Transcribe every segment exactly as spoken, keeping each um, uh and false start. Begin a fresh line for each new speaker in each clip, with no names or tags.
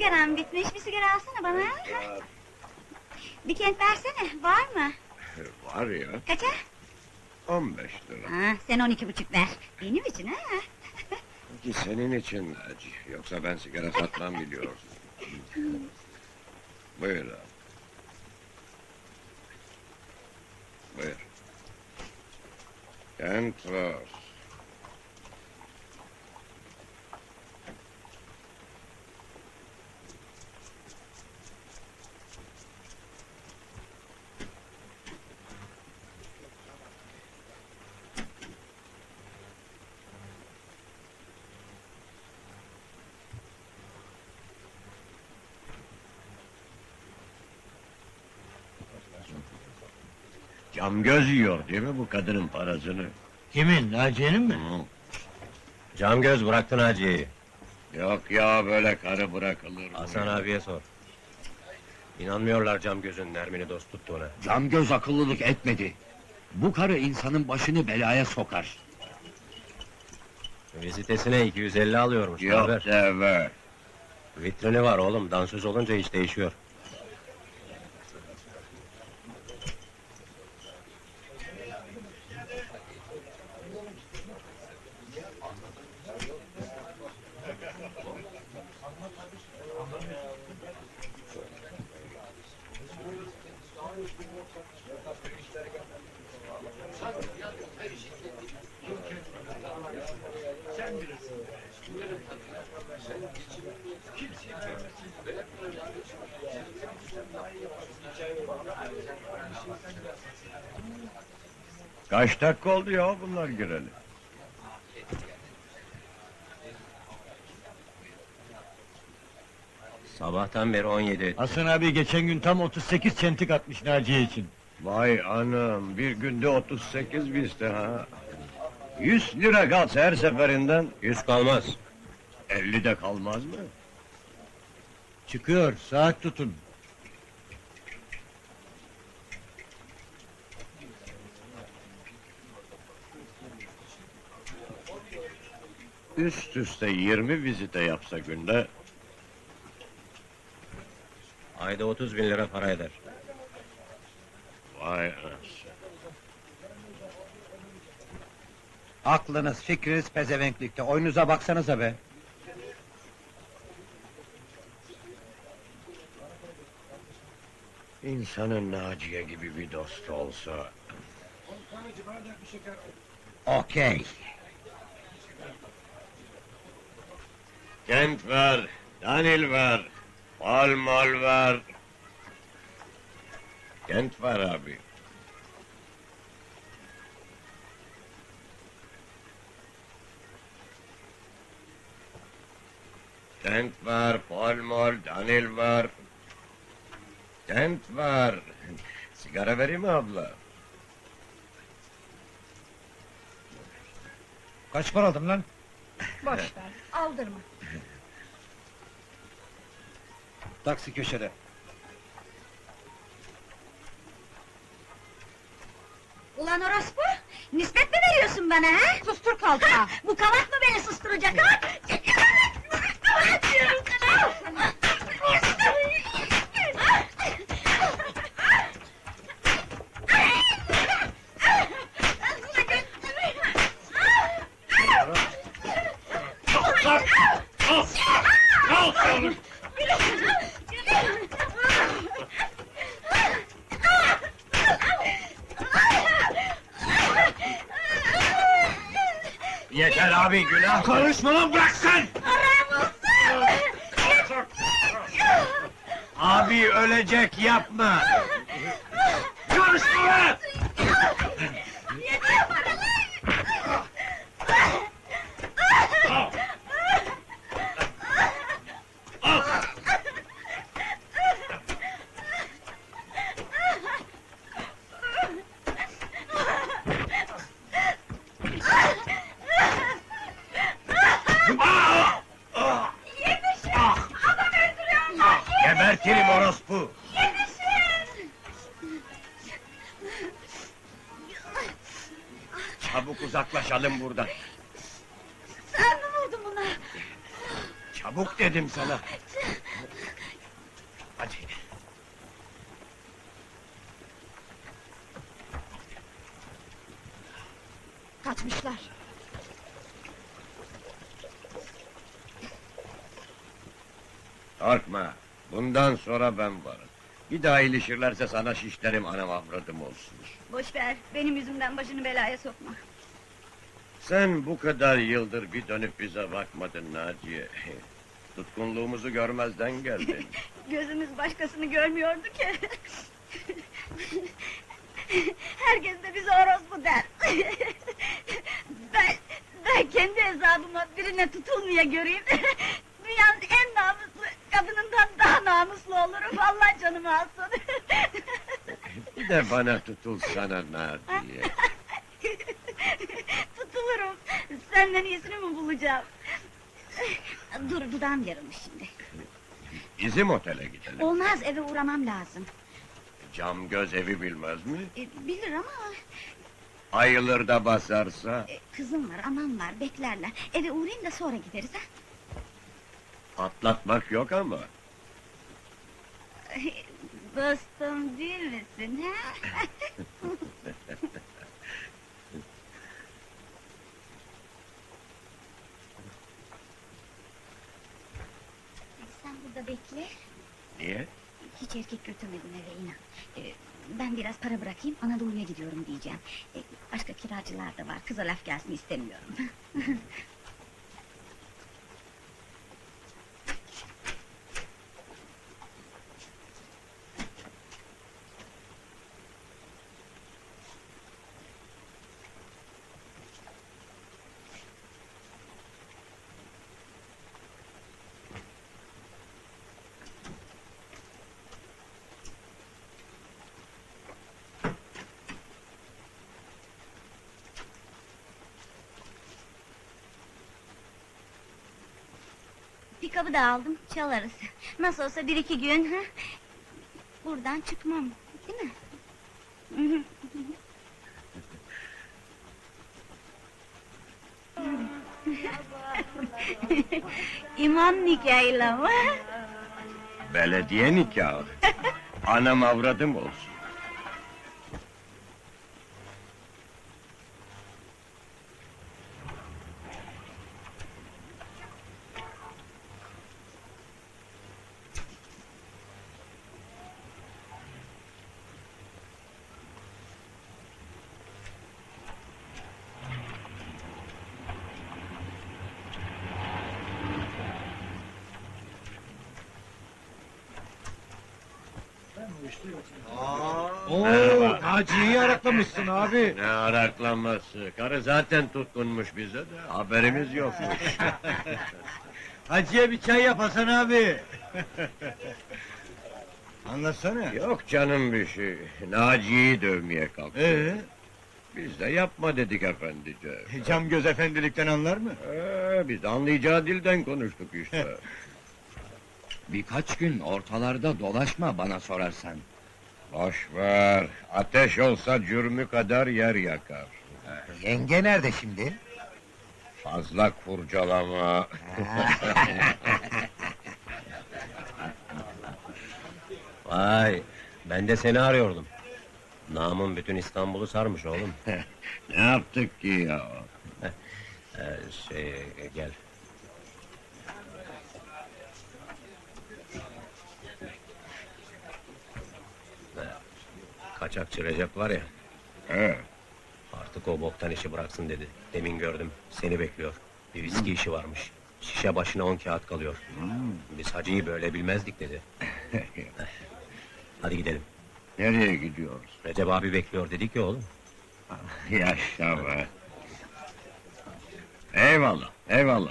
sigaram bitmiş, bir sigara alsana bana. Ha? Bir kent versene, var mı?
Var ya,
Kaça?
on beş lira.
Ha, sen on iki buçuk ver. Benim için ha?
Peki senin için Naci, yoksa ben sigara satmam biliyorsun. Buyur abi. Buyur. Kentler. Cam göz yiyor değil mi bu kadının parasını?
Kimin, Naciye'nin mi?
Hı.
Cam göz bıraktı Naciye'yi.
Yok ya, böyle karı bırakılır mı?
Hasan abiye sor. İnanmıyorlar cam gözün Nermin'i dost tuttuğuna.
Cam göz akıllılık etmedi. Bu karı insanın başını belaya sokar.
Vizitesine iki yüz elli alıyormuş.
Yok
haber.
deve.
Vitrini var oğlum, dansöz olunca iş değişiyor.
Kaç dakika oldu ya bunlar gireli?
Sabahtan beri on yedi.
Hasan abi geçen gün tam otuz sekiz çentik atmış Naciye için.
Vay anam, bir günde otuz sekiz bizde ha. Yüz lira kalsa her seferinden,
Yüz kalmaz.
elli de kalmaz mı?
Çıkıyor, saat tutun.
Üst üste yirmi vizite yapsa günde,
Ayda otuz bin lira para eder.
vay anasını.
Aklınız, fikriniz pezevenklikte. Oyunuza baksanıza be.
İnsanın Naciye gibi bir dostu olsa...
Okey.
Kent ver, Danil ver, mal mal ver. Kent ver abi. Kent ver, mal mal, Danil ver. Kent ver. Sigara vereyim mi abla?
Kaç para aldın lan?
Boş ver, aldırma.
Taksi köşede.
Ulan orospu, nispet mi veriyorsun bana ha? Sustur kalka! Bu kavak mı beni susturacak ha? Kavak diyorum sana!
Yeter abi, günah!
Konuşma lan, bırak sen!
Abi ölecek, yapma!
Konuşma lan!
Yeter paralar!
Gebertirim orospu! Çabuk uzaklaşalım buradan!
Sen mi vurdun buna?
Çabuk dedim sana! Korkma, bundan sonra ben varım. Bir daha ilişirlerse sana şişlerim, anam avradım olsun.
Boş ver, benim yüzümden başını belaya sokma.
Sen bu kadar yıldır bir dönüp bize bakmadın Naciye. Tutkunluğumuzu görmezden geldin.
Gözümüz başkasını görmüyordu ki. Herkes de bize orospu der. ben, ben kendi hesabıma birine tutulmaya göreyim. Dünyanın en namuslu kadınından daha namuslu olurum. Vallahi canımı alsın.
Bir de bana tutulsana Naciye.
Tutulurum. Senden iyisini mi bulacağım? Dur, dudağım yarılmış şimdi.
Bizim otele gidelim.
Olmaz, eve uğramam lazım.
Cam göz evi bilmez mi?
E, bilir ama...
Ayılır da basarsa...
e, kızım var, anam var, beklerler. Eve uğrayayım da sonra gideriz ha.
Atlatmak yok ama.
Dostum değil misin ha? Sen burada bekle.
Niye?
Hiç erkek götürmedim eve inan. Ee, ben biraz para bırakayım, Anadolu'ya gidiyorum diyeceğim. Ee, başka kiracılar da var, kıza laf gelsin istemiyorum. Pikabı da aldım, çalarız. Nasıl olsa bir iki gün, ha? Buradan çıkmam, değil mi? İmam nikahıyla mı?
Belediye nikahı. Anam avradım olsun.
Oo,
Merhaba.
Naciye'yi araklamışsın abi.
Ne araklanması? Karı zaten tutkunmuş bize de, haberimiz yokmuş.
Hacı'ya bir çay yap Hasan abi. Anlatsana.
Yok canım bir şey, Naciye'yi dövmeye kalktı.
Ee,
Biz de yapma dedik efendice.
cam göz efendilikten anlar mı?
Ee, biz anlayacağı dilden konuştuk işte.
Birkaç gün ortalarda dolaşma bana sorarsan.
Boş ver, ateş olsa cürmü kadar yer yakar.
Yenge nerede şimdi?
Fazla kurcalama.
Vay, ben de seni arıyordum. Namın bütün İstanbul'u sarmış oğlum.
Ne yaptık ki ya?
Ee, şey, gel. Ee, Kaçakçı Recep var ya,
He,
artık o boktan işi bıraksın dedi. Demin gördüm, seni bekliyor. Bir viski işi varmış. Şişe başına on kağıt kalıyor. Biz hacıyı böyle bilmezdik dedi. Hadi gidelim.
nereye gidiyoruz?
Recep abi bekliyor dedik ya oğlum.
Yaşa be. Eyvallah, eyvallah.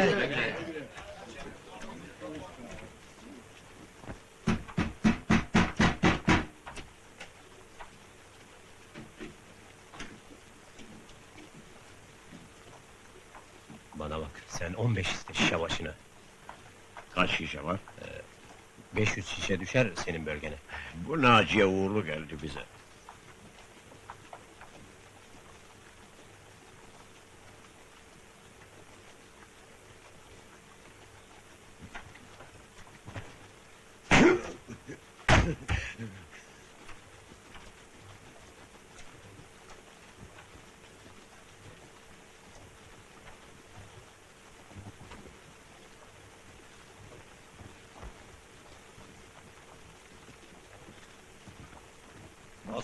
Bana bak, sen on beş iste şişe başına.
Kaç şişe var?
beş yüz şişe düşer senin bölgene.
Bu Naciye uğurlu geldi bize.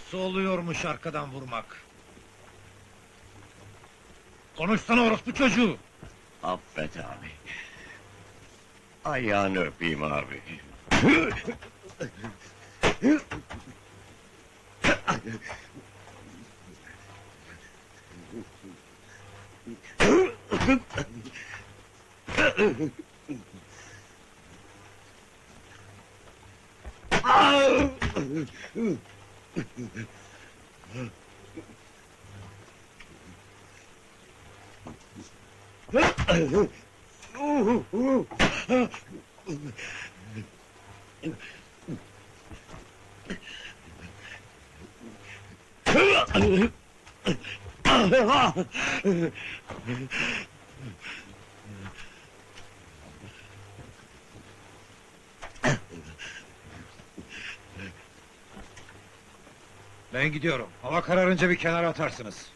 Nasıl oluyormuş arkadan vurmak? Konuşsana orospu çocuğu!
Affet abi. Ayağını öpeyim abi.
Ben gidiyorum. Hava kararınca bir kenara atarsınız.